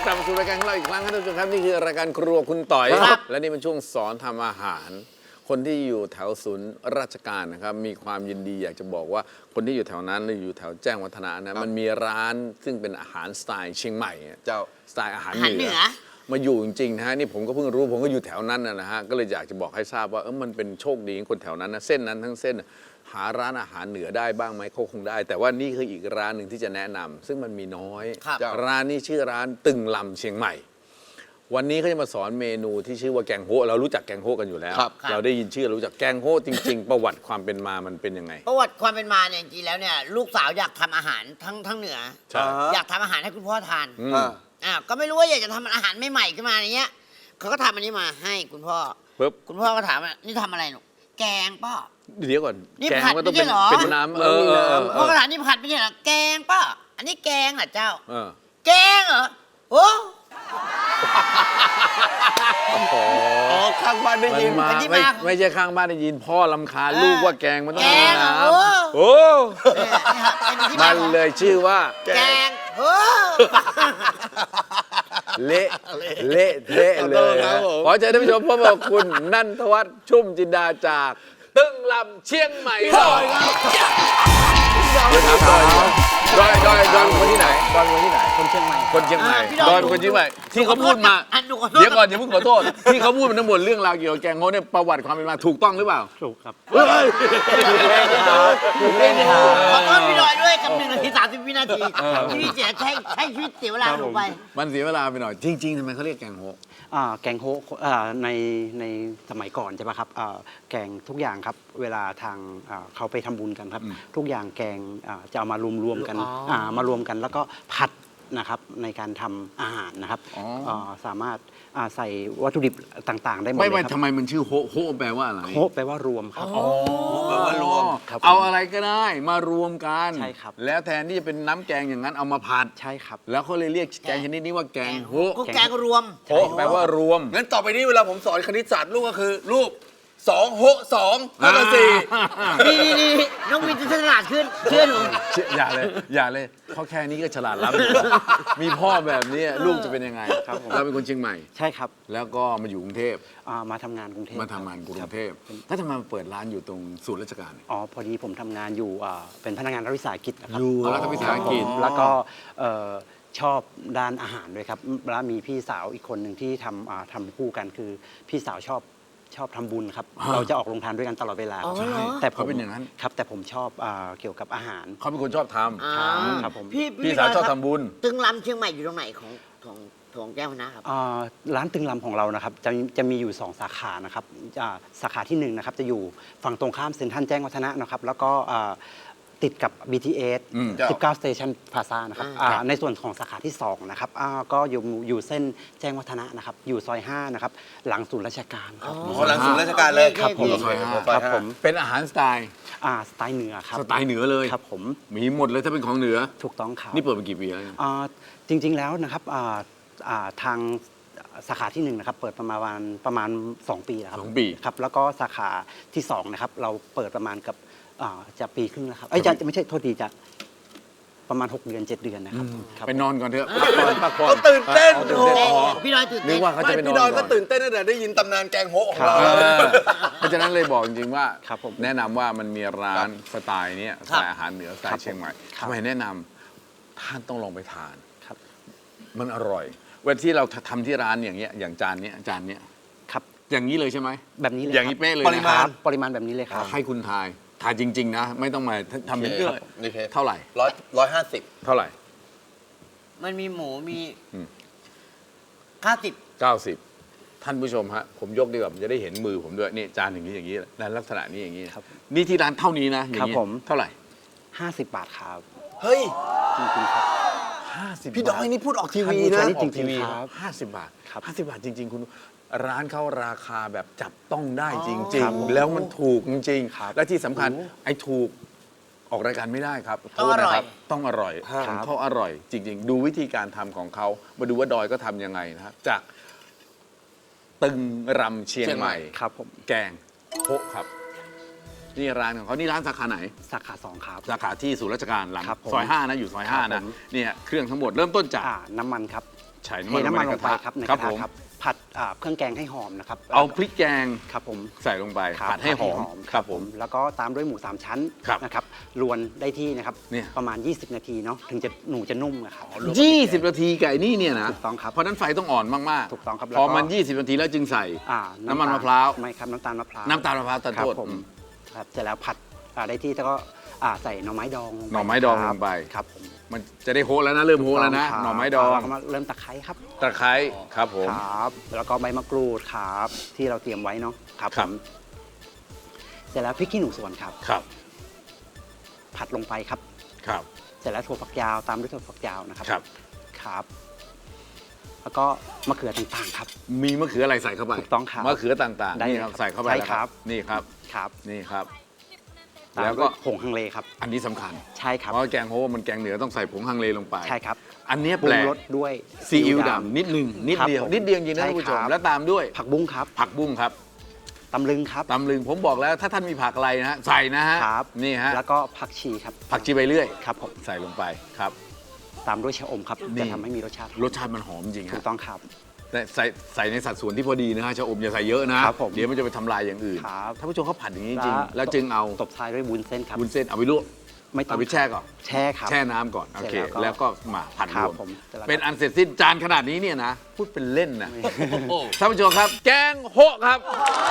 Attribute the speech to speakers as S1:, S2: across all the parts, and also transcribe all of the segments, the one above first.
S1: กลับมาสู่รายการของเราอีกครั้งครับท่านผู้ชมครับนี่คือรายการครัวคุณต่อย
S2: ครับ
S1: และนี่เป็นช่วงสอนทำอาหาร คนที่อยู่แถวศูนย์ราชการนะครับมีความยินดีอยากจะบอกว่าคนที่อยู่แถวนั้นหรืออยู่แถวแจ้งวัฒนะนะมันมีร้านซึ่งเป็นอาหารสไตล์เชียงใหม่เจ้าสไตล์อาหารเหนือมาอยู่จริงๆนะฮะนี่ผมก็เพิ่งรู้ผมก็อยู่แถวนั้นนะฮะก็เลยอยากจะบอกให้ทราบว่ามันเป็นโชคดีของคนแถวนั้นนะเส้นนั้นทั้งเส้นหาร้านอาหารเหนือได้บ้างไหมเขาคงได้ แต่ว่านี่คืออีกร้านหนึ่งที่จะแนะนำซึ่งมันมีน้อยร้านนี้ชื่อร้านตึงลำเชียงใหม่วันนี้เขาจะมาสอนเมนูที่ชื่อว่าแกงโฮะเรารู้จักแกงโฮะกันอยู่แล้วเราได้ยินชื่อเรารู้จักแกงโฮะจริง ๆ ประวัติความเป็นมามันเป็นยังไง
S2: ประวัติความเป็นมาเนี่ยจริงๆแล้วเนี่ยลูกสาวอยากทำอาหารทั้งเหนืออยากทำอาหารให้คุณพ่อทานก็ไม่รู้ว่าอยากจะทำอาหารใหม่ๆขึ้นมาอย่างเงี้ยเขาก็ทำอันนี้มาให้คุณพ่อคุณพ่อก็ถามว่านี่ทำอะไรหนูแกงป้า
S1: เดี๋ยวก่อน
S2: นี่ผัดไม่ใช่เหรอ
S1: เป็นน้ำ
S2: พ่อก็ถามนี่ผัดไม่ใช่เหรอแกงป้าอันนี้แกงเหรอเจ้าแกงเหรอโอ้
S3: ข้างบ้านได้ยิน
S1: ไม่ใช่ข้างบ้านได้ยินพ่อรำคาญลูกว่าแกงมันต้องมีน้ำโอ้มันเลยชื่อว่า
S2: แกง
S1: เละเทะเลยขอเชิญท่านผู้ชมพบกับคุณนันทวัฒน์ชุ่มจินดาจากตึ้งลำเชียงใหม่ดอยคนที่ไหนคนเชียงใหม่ดอยคนเชียงใหม่ที่เขาพูดมาเดี๋ยวก่อนอย่าเพิ่งขอโทษที่เขาพูดมันทั้งหมดเรื่องราวเกี่ยวกับแกงโฮเนี่ยประวัติความเป็นมาถูกต้องหรือเปล่า
S4: ถูกครับ
S2: ขอโทษพี่ดอยด้วยกับ1 นาที 30 วินาทีที่พี่เสียใช้ชีวิตเสียเวลาลงไป
S1: มันเสียเวลาไปหน่อยจริงๆทำไมเขาเรียกแกงโฮ
S4: แกงโฮในสมัยก่อนใช่ไหมครับแกงทุกอย่างครับเวลาทางเขาไปทำบุญกันครับทุกอย่างแกงจะเอามารวมกันแล้วก็ผัดนะครับในการทำอาหารนะครับสามารถใส่วัตถุดิบต่างๆได้หมดเลยครับ
S1: ทำไมมันชื่อโฮแปลว่าอะไร
S4: โฮแปลว่ารวมครับ
S1: แปลว่ารวมเอาอะไรก็ได้มารวมกัน
S4: ใช่ครับ
S1: แล้วแทนที่จะเป็นน้ำแกงอย่างนั้นเอามาผัด
S4: ใช่ครับ
S1: แล้วเขาเลยเรียกแกงชนิดนี้ว่าแกงโฮ
S2: แกงรวม
S1: โฮแปลว่ารวม
S3: งั้นต่อไปนี้เวลาผมสอนคณิตศาสตร์ลูกก็คือลูก2 โฮ2เท่ากับ4
S2: นี่น้องวินจะฉลาดขึ้นเชื่อหนู
S1: อย่าเลยเขาแค่นี้ก็ฉลาดล้ำมีพ่อแบบนี้ลูกจะเป็นยังไงเราเป็นคนเชียงใหม่
S4: ใช่ครับ
S1: แล้วก็มาอยู่กรุงเทพ
S4: มาทำงานกรุงเทพ
S1: ถ้าทำไมมาเปิดร้านอยู่ตรงศูนย์ราชการ
S4: พอดีผมทำงานอยู่เป็นพนักงานรัฐวิสาหกิจนะครับ
S1: อยู่รัฐวิสาหกิจ
S4: แล้วก็ชอบด้านอาหารด้วยครับแล้วมีพี่สาวอีกคนหนึ่งที่ทำคู่กันคือพี่สาวชอบทำบุญครับเราจะออกโรงทานด้วยกันตลอดเวลา
S1: แต่ผมเป็นอย่างนั้น
S4: ครับแต่ผมชอบเกี่ยวกับอาหาร
S1: เขาเป็นคนชอบท
S4: ำครับผม
S1: พี่สาวชอบทำบุญ
S2: ตึงลำเชียงใหม่อยู่ตรงไหนของแก้วนะครับ
S4: ร้านตึงลำของเรานะครับจะมีอยู่2 สาขานะครับสาขาที่1นะครับจะอยู่ฝั่งตรงข้ามเซ็นทรัลแจ้งวัฒนะนะครับแล้วก็ติดกับ BTS 19 Station Plaza นะครับในส่วนของสาขาที่2นะครับก็อยู่เส้นแจ้งวัฒนะนะครับอยู่ซอย5นะครับหลังศูนย์ราชการครับ
S3: หลังศูนย์ราชการเลย
S4: ครับผมซอย5ครับผม
S1: เป็นอาหารสไตล์
S4: เหนือครับ
S1: สไตล์เหนือเลย
S4: ครับผม
S1: มีหมดเลยถ้าเป็นของเหนือ
S4: ถูกต้องครับ
S1: นี่เปิดมากี่ปีแล้ว
S4: จริงๆแล้วนะครับทางสาขาที่1นะครับเปิดประมาณ2 ปีแล้วครับ
S1: 2 ปี
S4: ครับแล้วก็สาขาที่2นะครับเราเปิดประมาณกับจะปีครึ่งแล้วครับจะไม่ใช่โทษทีจะประมาณ6 เดือน 7 เดือนนะครับ
S1: ไปนอนก่อนเถอะ
S3: เขาตื่นเต้น
S2: พี่ดอยตื่นเต้น
S1: นึกว่าเขาจะไปนอน
S3: พี่ดอยก็ตื่นเต้นตั้งแต่ได้ยินตำนานแกงโฮของเรา
S1: เพราะฉะนั้นเลยบอกจริงๆว่าแนะนำว่ามันมีร้านสไตล์นี้สไตล์อาหารเหนือสไตล์เชียงใหม่ทำไมแนะนำท่านต้องลองไปทานมันอร่อยเวลาที่เราทำที่ร้านอย่างเงี้ยอย่างจานนี้
S4: ครับ
S1: อย่างนี้เลยใช่ไหไหม
S4: แบบนี้เลย
S1: อย่างนี้เป๊ะเลย
S4: ปริมาณแบบนี้เลยครับ
S1: ให้คุณทายจริงๆนะไม่ต้องมาทำเป็นเรื่องเท่าไหร่
S3: 150
S1: เท่าไหร่
S2: มันมีหมูมี
S1: 90ท่านผู้ชมฮะผมยกดีกว่าจะได้เห็นมือผมด้วยนี่จานอย่างนี้ในลักษณะนี้อย่างนี้นี่ที่ร้านเท่านี้นะอย่างนี้เท่าไหร่
S4: 50 บาทครับ
S3: เฮ้ย
S4: จริงๆครับ
S1: 50
S3: พี่ดอยนี่พูดออกทีวีนะ
S4: จริงๆครับ
S1: 50 บาท50 บาทจริงๆคุณร้านเขาราคาแบบจับต้องได้จริงๆแล้วมันถูกจริงๆและที่สำคัญไอ้ถูกออกรายการไม่ได้ครับ
S2: ต้องอร่อย
S1: ต้องอร่อยเขาอร่อยจริงๆดูวิธีการทำของเขามาดูว่าดอยก็ทำยังไงนะครับจากตึงรำเชียงใหม่
S4: ครับผม
S1: แกงโฮครับนี่ร้านของเขานี่ร้านสาขาไหน
S4: สาขา 2 ครับ
S1: สาขาที่ศูนย์ราชการหลัง
S4: ครับผม
S1: ซอย5นะอยู่ซอย
S4: ครับ
S1: 5นะ
S4: ผม
S1: เนี่ยเครื่องทั้งหมดเริ่มต้นจาก
S4: น้ำมันครับ
S1: ใส่
S4: เทน้ำมันลงไป
S1: กะทะ
S4: ครับในก
S1: ครั
S4: ระ
S1: ผ
S4: ทะ
S1: ม
S4: ครับผัดเครื่องแกงให้หอมนะครับ
S1: เอาพริกแกง
S4: ครับผม
S1: ใส่ลงไป
S4: ครับ
S1: ผัดให้หอมครับผม
S4: แล้วก็ตามด้วยหมู3ชั้น
S1: ครับ
S4: นะครับรวนได้ที่นะครับ
S1: เนี่ย
S4: ประมาณ 20 นาทีเนาะถึงจะหนูจะนุ่มนะครับ
S1: 20 นาทีไก่นี่เนี่ยนะ
S4: ถูกต้องครับ
S1: เพราะฉะนั้นไฟต้องอ่อนมากๆ
S4: ถูกต้องครับ
S1: พอ
S4: แล้วก็
S1: มัน 20 นาทีแล้วจึงใส่
S4: อ่า
S1: น้ำมันมะพร้าว
S4: ไม่ครับน้ำตาลมะพร้าว
S1: น้ำตาลมะพร้าวตัด
S4: ครับ
S1: โทษ
S4: ผมครับเสร็จแล้วผัดได้ที่แล้วก็ใส่หน่อไม้ดองลงไป
S1: หน่อไม้ดอง
S4: ครับ
S1: ลงไป
S4: ครับผม
S1: มันจะได้โฮะแล้วนะเริ่มโฮะแล้วนะ
S4: ครับ
S1: หน่อไม้ดอง
S4: แล้วก็มาเริ่มตะไคร้ครับ
S1: ตะไคร้ครับผม
S4: ครับแล้วก็ใบมะกรูดครับที่เราเตรียมไว้เนาะครับ
S1: ครั
S4: ผ
S1: บ
S4: มเสร็จแล้วพริกขี้หนูสวนครับ
S1: ครับ
S4: ผัดลงไปครับ
S1: ครับ
S4: เสร็จแล้วถั่วฝักยาวตามด้วยถั่วฝักยาวนะครับ
S1: ครับ
S4: ครับ แล้วก็มะเขือต่างๆครับ
S1: มีมะเขืออะไรใส่เข้าไป
S4: ถูกต้องครับ
S1: มะเขือต่างๆ
S4: ได้
S1: นี่
S4: เลย
S1: ครับ
S4: ครับ
S1: ใส่เข้าไป
S4: ใช่
S1: แล้ว
S4: ครับ
S1: นี่ครับ
S4: ครับ
S1: นี่ครับ
S4: ตาม
S1: แล้วก็
S4: ด้วยผงฮังเลครับ
S1: อันนี้สำคัญ
S4: ใช่ครับ
S1: เพราะแกงโฮะมันแกงเหนือต้องใส่ผงฮังเลลงไป
S4: ใช่ครับ
S1: อันเนี้ย
S4: ปรุ
S1: แปล
S4: ง
S1: ก
S4: รสด้วย
S1: ซีอิ๊วดำนิดหนึ่งนิดเดียว
S4: ครับผม
S1: นิดเดียวจริงๆนะ
S4: ใช่
S1: ท่านผู้ชม
S4: ครับ
S1: แล้วตามด้วย
S4: ผักบุ้งครับ
S1: ผักบุ้งครับ
S4: ตำลึงครับ
S1: ตำลึงผมบอกแล้วถ้าท่านมีผักอะไรนะฮะใส่นะฮะ
S4: ครับ
S1: นี่ฮะ
S4: แล้วก็ผักชีครับ
S1: ผักชีใบเลื่อย
S4: ครับผม
S1: ใส่ลงไปครับ
S4: ตามด้วยชะอมครับ
S1: นี่
S4: จะทำให้มีรสชาติ
S1: รสชาติมันหอมจริง
S4: ถู
S1: ฮะ
S4: กต้องครับ
S1: แต่ใส่ในสัดส่วนที่พอดีนะฮะชะอมอย่าใส่เยอะนะครับ
S4: ผม
S1: เดี๋ยวมันจะไปทำลายอย่างอื่น
S4: ครับ
S1: ท่านผู้ชมเขาผัดอย่างนี้จริงๆแล้วจึงเอา
S4: ตบท้ายด้วยวุ้นเส้นครับ
S1: วุ้นเส้นเอาไปลวก
S4: ไม่ต้อง
S1: เอาไปแช่ก่อน
S4: แช่ครับ
S1: แช่น้ำก่อนโอเค
S4: เสร็จแล้วก็
S1: แล้วก็มาผัด
S4: ครั
S1: ร
S4: บ
S1: วม
S4: ผมเสร็จแล้วก็
S1: เป็นอันเสร็จสิ้นจานขนาดนี้เนี่ยนะพูดเป็นเล่นนะท่านผู้ชมครับ แกงโฮะครับ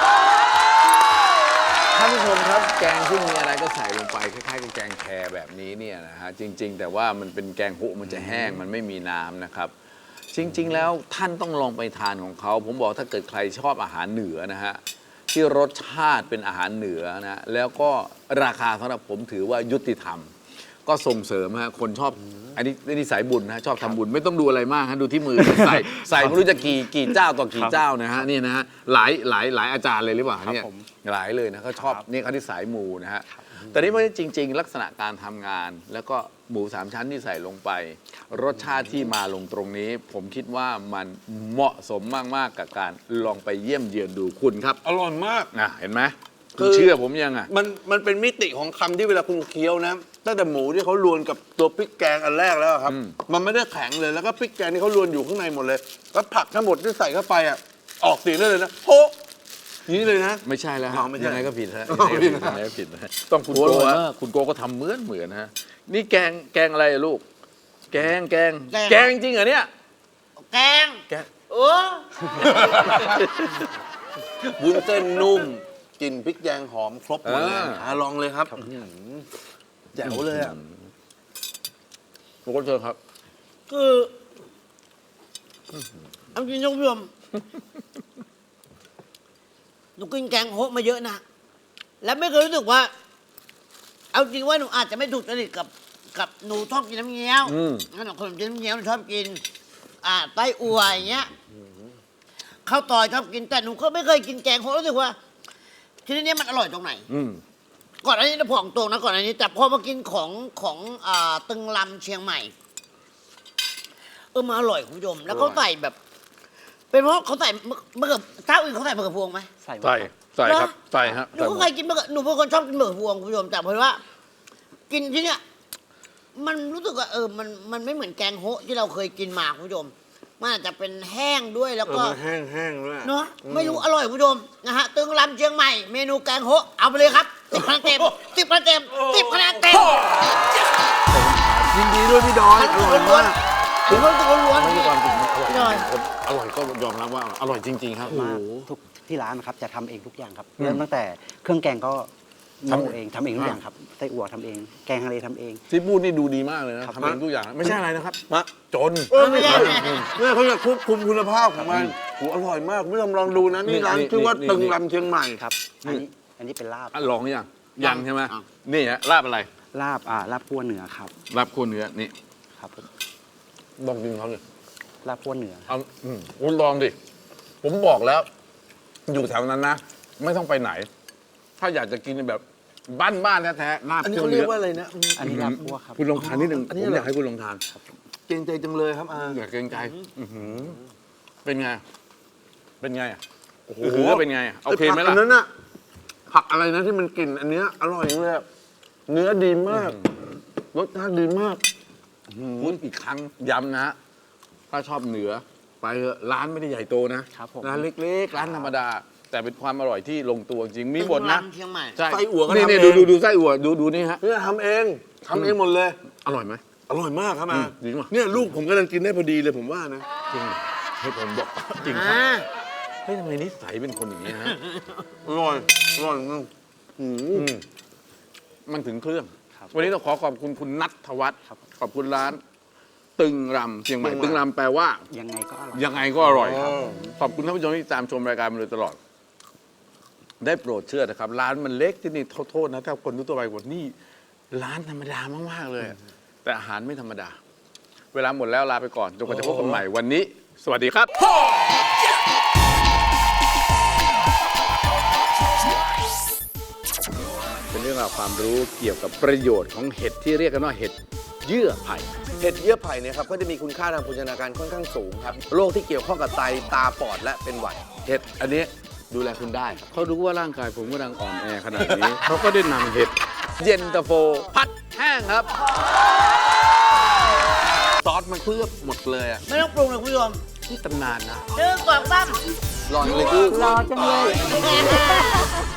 S1: ท่านผู้ชมครับแกงที่มีอะไรก็ใส่ลงไปคล้ายๆกับแกงแครแบบนี้เนี่ยนะฮะจริง ๆ แต่ว่ามันเป็นแกงโฮะมันจะแห้งมันไม่มีน้ำนะครับ จริง ๆ แล้วท่านต้องลองไปทานของเขา ผมบอกถ้าเกิดใครชอบอาหารเหนือนะฮะที่รสชาติเป็นอาหารเหนือนะแล้วก็ราคาสำหรับผมถือว่ายุติธรรม ก็ส่งเสริมฮะคนชอบอันนี้สายบุญนะชอบทำบุญไม่ต้องดูอะไรมากฮะดูที่มือ ใส่ไม่รู้จะกี่เจ้าต่อกี่เจ้านะฮะนี่นะฮะหลายอาจารย์เลยหรือเปล่า
S4: ครับ
S1: เนี่ย
S4: ผม
S1: หลายเลยนะเขาชอบ
S4: ครับ
S1: นี่เขาที่สายมูนะฮะแต่นี่ไม่จริง ๆ ลักษณะการทำงาน แล้วก็หมู3ชั้นที่ใส่ลงไป รสชาติที่มาลงตรงนี้ ผมคิดว่ามันเหมาะสมมากๆกับการลองไปเยี่ยมเยือนดูคุณครับ
S3: อร่อยมาก
S1: เห็นไหม
S3: คื
S1: คุณ
S3: อ
S1: เชื่อผมยังอ่ะ
S3: มันเป็นมิติของคำที่เวลาคุณเคี้ยวนะตั้งแต่หมูที่เขารวนกับตัวพริกแกงอันแรกแล้วอะครับ มันไม่ได้แข็งเลยแล้วก็พริกแกงที่เขารวนอยู่ข้างในหมดเลยแล้วผักทั้งหมดที่ใส่เข้าไปอ่ะออกเสียงได้เลยนะโฮะอย่างนี้เลยนะ
S1: ไม่ใช่แล้วฮะ
S3: อ๋อไม่ใช่
S1: ยังไงก็ผิดฮะ
S3: อ๋อ
S1: ยังไงก็ผิดนะฮะต้องคุณโก้ฮะคุณโก้ก็ทำเหมือนฮะนี่แกงอะไรอะลูก แกงจริงเหรอเนี่ย
S2: แกง
S1: แกง
S2: โอ้
S3: วุ้นเส้นนุ่มกลิ่นพริกแกงหอมครบหมดเลย
S1: า
S3: ลองเลยครับแจ๋วเลยอ่ะ
S1: คุณโก้เชิญครับ
S2: คือเอาจริงๆท่านผู้ชมหนูกินแกงโฮะมาเยอะนะ แล้วไม่เคยรู้สึกว่า เอาจริงว่าหนูอาจจะไม่ถูกจริตกับหนูชอบกินน้ำเงี้ยว
S1: อืม
S2: งั้นหนูคนกินน้ำเงี้ยวหนูชอบกิน ไต้อั่วอย่างเงี้ยข้าวตอยชอบกินแต่หนูก็ไม่เคยกินแกงโฮะรู้สึกว่าทีนี้มันอร่อยตรงไหน
S1: อืม
S2: ก่อนอันนี้นะบอกตรงนะก่อนอันนี้ แต่พอมากินของตึงลำเชียงใหม่มันอร่อยคุณผู้ชม แล้วเขาใส่แบบ เป็นเพราะเขาใส่มะเขือเจ้าอื่นเขาใส่มะเขือพวงไหม
S4: ใส่หมด
S1: ใส่
S4: ครับ
S1: ใส่ครับใส่ฮะ
S2: หนูก็เคยกินมะเขือหนูเป็นคนชอบกินมะเขือพวงคุณผู้ชมแต่เพราะว่า กินที่เนี้ยมันรู้สึกว่ามันไม่เหมือนแกงโฮะที่เราเคยกินมาคุณผู้ชมมันอาจจะเป็นแห้งด้วยแล้วก็
S3: มันแห้งๆด้วย
S2: เนาะไม่รู้อร่อยคุณผู้ชมนะฮะตึงลำเชียงใหม่เมนูแกงโฮะเอาไปเลยครับ10 คะแนนเต็ม10 คะแนนเต็ม10 คะแนนเต็ม
S1: ยินดีด้วยพี่ดอยอร่อยมาก
S2: ถึงคนตัวล้วน
S1: ไม่
S2: พี่
S1: มีความจริงมันอร่อย
S2: พี่ดอย
S1: อร่อยก็ยอมรับว่าอร่อยจริง ๆ ครับ
S4: มากทุกที่ร้านนะครับจะทำเองทุกอย่างครับเริ่มตั้งแต่เครื่องแกงก็โม่เองทำเองทุกอย่างครับไส้อั่วทำเอง แกงทะเลทำเอง
S1: ที่พูดนี่ดูดีมากเลยนะครับ ทำเองทุกอย่างไม่ใช่อะไรนะครับ
S3: มะ
S1: จน
S2: ไม่ใช่
S3: เนี่ยเขาจะควบคุมคุณภาพของมันโหอร่อยมากคุณผู้ชมลองดูนะนี่ร้านชื่อว่าตึงลำเชียงใหม่
S4: ครับ อันนี้เป็นลาบ
S1: ลองหรือยังใช่ไหมนี่ฮะลาบอะไร
S4: ลาบคั่วเนื้อครับ
S1: ลาบคั่วเนื้อนี่
S4: ครับผม
S1: ลองกินเขาเลย
S4: ลาบคั่วเนื้อ
S1: เอาคุณลองดิผมบอกแล้ว อยู่แถวนั้นนะ ไม่ต้องไปไหน ถ้าอยากจะกินแบบบ้านๆแท้ๆลาบ
S3: อันนี้
S1: คั่ว
S3: เขาเรี
S1: เนื้
S3: ยกว่าอะไรนะ
S4: อันนี้ลาบคั่วครับ
S1: คุณลองทานนิดนึง
S3: อัน
S1: ผ
S3: นี้
S1: ม
S3: เหรอ
S1: อยากให้คุณลองทาน
S3: เกรงใจจังเลยครับอา
S1: อยากเกรงใจเป็นไงเป็นไง
S3: โอ้โห
S1: เป็นไงโอเคไหมล่ะ
S3: อันนั้นน่ะผัผักอะไรนะที่มันกลิ่นอันเนี้ยอร่อยจังเลยอะเนื้อดีมากรสชาติดีมาก
S1: พูดอีกครั้งย้ำนะฮะถ้าชอบเหนือไปเถอะร้านไม่ได้ใหญ่โตนะครับ
S4: ผม
S1: ร้านเล็กๆร้านธรรมดา แต่เป็นความอร่อยที่ลงตัวจริงมีบทนะ
S2: เชียงใหม่
S1: ใช่
S3: ไส้อั่วก็
S1: นี่
S3: ทำ
S1: นี่
S3: เอง
S1: ดูไส้อั่วดูนี่ฮะ
S3: เนี่ยทำเองหมดเลย
S1: อร่อยไหม
S3: อร่อยมากครับมา
S1: จริงป่ะ
S3: เนี่ยลูกผมกำลังกินได้พอดีเลยผมว่านะ
S1: จริงให้ผมบอกจริงครับ
S2: อ่า
S1: เฮ้ยทำไมนิสัยเป็นคนอย่างนี้ฮะ
S3: อร่อยอร่อยมาก
S1: มันถึงเครื่อง
S4: ครับ
S1: วันนี้ต้องขอบคุณคุณนัทวัฒน์ขอบคุณร้าน ตึงรำเชียงใหม่ตึงรำแปลว่า
S4: ยังไงก็อร่อย
S1: ยังไงก็อร่อยครับ ขอบคุณท่านผู้ชมที่ตามชมรายการมาโดยตลอด ได้โปรดเชื่อนะครับ ร้านมันเล็กที่นี่โทษนะถ้าคนทั่วไปกว่านี่ร้านธรรมดามากๆเลย แต่อาหารไม่ธรรมดา เวลาหมดแล้วลาไปก่อนจนกว่าจะพบกันใหม่วันนี้ สวัสดีครับ เป็นเรื่องราวความรู้เกี่ยวกับประโยชน์ของเห็ดที่เรียกกันว่าเห็ดเยื่อไผ่
S3: เห็ดเยื่อไผ่เนี่ยครับก็จะมีคุณค่าทางโภชนาการค่อนข้างสูงครับโรคที่เกี่ยวข้องกับไตตาปอดและเป็นหวัด
S1: เห็ดอันนี้ดูแลคุณได้ เขารู้ว่าร่างกายผมกำลังอ่อนแอขนาดนี้ เขาก็ได้นำเห็ดเย็นตาโฟ พัดแห้งครับ
S3: ซอสมันเคลือบหมดเลยอ่ะ
S2: ไม่ต้องปรุงเลยคุณผู้ชม
S1: นี่ตำนานนะ
S2: 1 2 3
S3: รอเลยคือ
S5: รอจังเลย